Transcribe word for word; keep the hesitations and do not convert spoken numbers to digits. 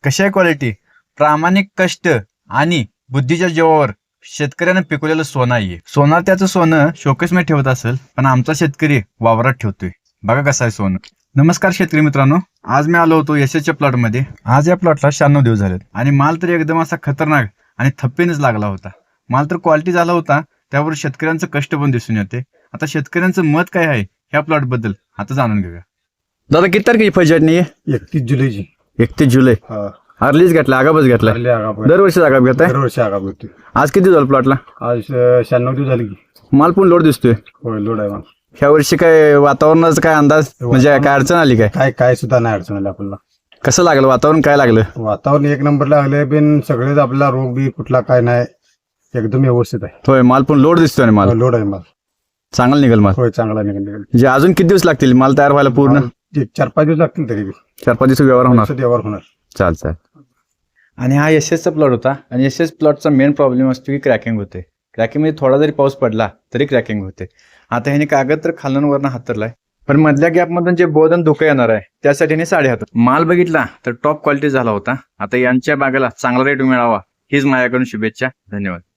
कशा आहे क्वालिटी? प्रामाणिक कष्ट आणि बुद्धीच्या जीवावर शेतकऱ्यानं पिकवलेलं सोनं आहे. सोनार त्याचं सोनं शोकेसमध्ये ठेवत असेल, पण आमचा शेतकरी वावरात ठेवतोय. बघा कसं आहे सोनं. नमस्कार शेतकरी मित्रांनो, आज मी आलो होतो यशच्या प्लॉट मध्ये. आज या प्लॉटला शहाण्णव दिवस झालेत आणि माल तर एकदम असा खतरनाक आणि थप्पीनेच लागला होता. माल तर क्वालिटी झाला होता, त्यावर शेतकऱ्यांचं कष्ट पण दिसून येते. आता शेतकऱ्यांचं मत काय आहे ह्या प्लॉट बद्दल आता जाणून घेऊया. दादा किती तारखेची फळछाटणी आहे? एकतीस जुलैची. एकतीस जुलै. अर्लीच घेतला, आगापच घेतला. दरवर्षी आगाप घेताय? दरवर्षी आगाप घेतोय. आज किती झालं प्लॉटला? आज शहाण्णव दिवस झाले की. माल पण लोड दिसतोय. होय, लोड आहे माल. ह्या वर्षी काय वातावरणाचा काय अंदाज, म्हणजे काय अडचण आली काय? काय काय सुद्धा नाही अडचण आली आपल्याला. कसं लागलं वातावरण? काय लागलं? वातावरण एक नंबर लागले, पण सगळेच आपला रोग बी कुठला काय नाही, एकदम व्यवस्थित आहे. होय, माल पण लोड दिसतोय. माल लोड आहे माल. चांगला निघेल माल. होय, चांगला निघेल. म्हणजे अजून किती दिवस लागतील माल तयार व्हायला? पूर्ण चार पाच दिवस लागतील तरी बी. चार पाच दिवस व्यवहार होणार. व्यवहार होणार. चाल चाल. आणि हा एसएसचा प्लॉट होता आणि एसएस प्लॉटचा मेन प्रॉब्लेम असतो की क्रॅकिंग होते. क्रॅकिंग मध्ये थोडा जरी पाऊस पडला तरी क्रॅकिंग होते. आता ह्याने कागद तर खालूनवरनं हातरलाय, पण मधल्या गॅपमधून जे बोधन धोका येणार आहे त्यासाठी ह्याने साडे हात. माल बघितला तर टॉप क्वालिटी झाला होता. आता यांच्या बागेला चांगला रेट मिळावा हीच माझ्याकडून शुभेच्छा. धन्यवाद.